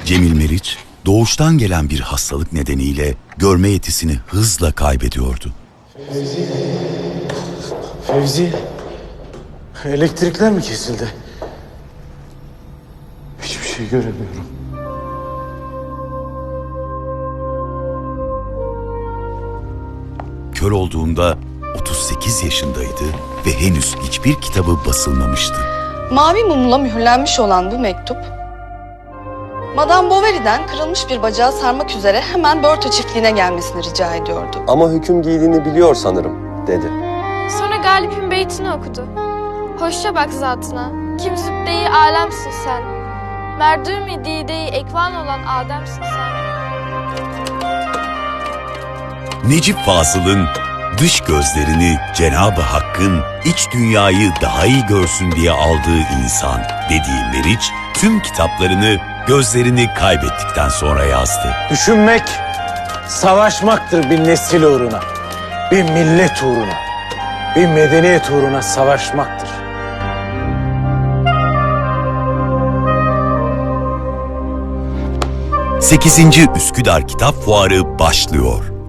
Cemil Meriç, doğuştan gelen bir hastalık nedeniyle görme yetisini hızla kaybediyordu. Fevzi, elektrikler mi kesildi? Hiçbir şey göremiyorum. Kör olduğunda 38 yaşındaydı ve henüz hiçbir kitabı basılmamıştı. Mavi mumla mühürlenmiş olan bu mektup, Madame Bovary'den kırılmış bir bacağı sarmak üzere hemen Börte çiftliğine gelmesini rica ediyordu. Ama hüküm giydiğini biliyor sanırım, dedi. Sonra Galip'in beytini okudu. Hoşça bak zatına, kim zübde-i alemsin sen. Merdûm-i dide-i ekvan olan Adem'sin sen. Necip Fazıl'ın dış gözlerini Cenab-ı Hakk'ın iç dünyayı daha iyi görsün diye aldığı insan dediği Meriç, tüm kitaplarını gözlerini kaybettikten sonra yazdı. Düşünmek, savaşmaktır bir nesil uğruna, bir millet uğruna, bir medeniyet uğruna savaşmaktır. ...8. Üsküdar Kitap Fuarı başlıyor.